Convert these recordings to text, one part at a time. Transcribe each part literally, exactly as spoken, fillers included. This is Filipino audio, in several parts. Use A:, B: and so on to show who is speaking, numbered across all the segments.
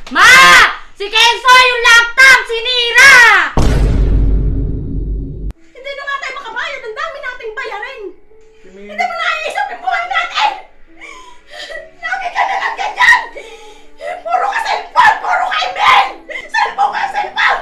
A: Ma! Si Kenzo yung laptop! Sinira!
B: Hindi na nga tayo makabayad. Ang dami nating bayarin.
C: Kimi...
B: Hindi mo naiisip yung buhay natin! Lagi ka na lang ganyan! Puro ka cellphone! Puro ka email! Cellphone ka, cellphone!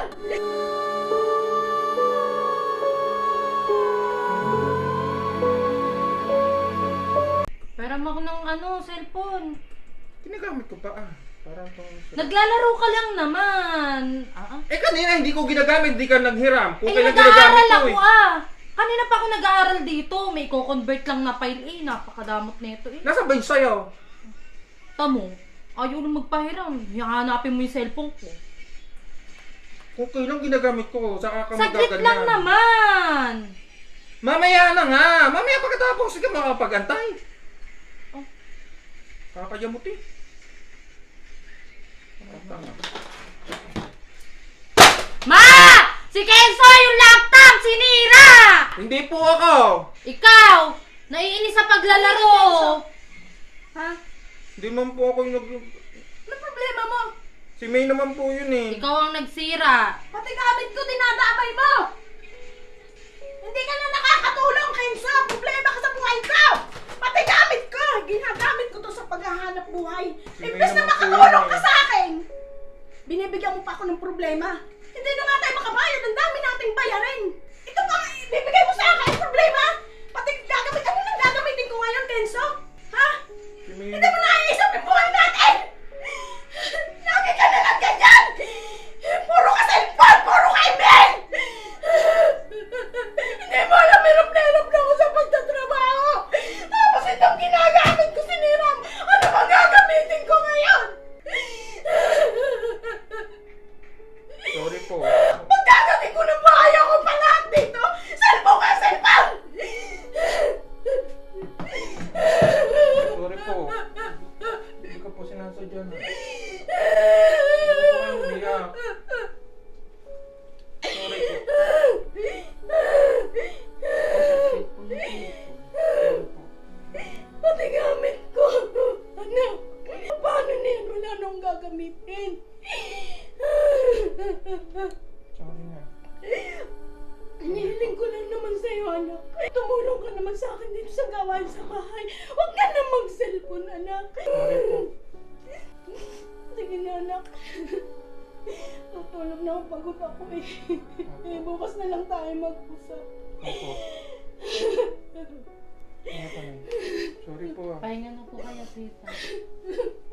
A: Pera mo ako ng ano, cellphone.
C: Ginagamit ko pa ah. Parang tong...
A: Naglalaro ka lang naman. Ah, ah.
C: Eh kanina hindi ko ginagamit, hindi ka naghiram. Kung
A: Eh,
C: kailan
A: nag-aaral
C: ginagamit ko
A: ako
C: eh.
A: ah. Kanina pa ako nag-aaral dito. May ko-convert lang na file eh. Napakadamot nito eh.
C: Nasa ba yung sayo?
A: Tamo, ayaw na magpahiram. Hanapin mo yung cellphone ko.
C: Kung kailan ginagamit ko, saka ka
A: Saglit
C: magaganyan.
A: lang naman.
C: Mamaya na nga! Mamaya pagkatapos, sige makapag-antay.
A: Oh.
C: Kakayamot eh.
A: Ma! Si Kenzo yung laptop! Sinira!
C: Hindi po ako!
A: Ikaw! Naiinis sa paglalaro! Ha?
C: Hindi man po ako yung nag...
B: Ano problema mo?
C: Si May naman po yun eh.
A: Ikaw ang nagsira.
B: Pati gamit ko dinadamay mo! Hindi ka na nakakatulong, Kenzo! Problema ka sa buhay ko! Pati gamit ko! Ginagamit ko to sa paghahanap buhay.
C: Sige
B: Imbes na
C: naman po
B: makatulong
C: yun
B: ka
C: eh.
B: sa akin, binibigyan mo pa ako ng problema. Hindi na nga tayo makabayad. Ang dami nating bayarin. Ito pa, ibibigay mo sa akin problema? Pati gagamit, ano nang gagamitin ko ngayon, Kenzo? Ha?
C: Si May...
B: Hindi mo naiisip yung buhay natin! Lagi ka na lang ganyan! Puro ka cellphone! Puro ka email! Hindi mo alam, hirap na hirap na ako sa pagtatrabaho! Tapos itong ginagamit ko, siniram! Ano bang gagamitin ko ngayon?
C: Sorry po.
B: Pagkagabi ko ng bahay ako pa lahat dito! Cellphone ka, cellphone!
C: Sorry po. Hindi ka po sinasadya na. Hindi po kayo umiyak. Sorry po.
B: Pati gamit ko! Ano? Paano na yan? Wala nang gagamitin.
C: Sorry na.
B: Hinihiling ko lang naman sa'yo, anak. Tumulong ka naman sa akin dito sa gawain sa bahay. Huwag ka na mag-cellphone, anak.
C: Sorry po.
B: Sige na, anak. Tutulog na ako, pagod ako eh. Eh, bukas na lang tayo mag-usap.
C: Opo. Ano pa na? Sorry po ah.
A: Pahinga na po kaya, tita.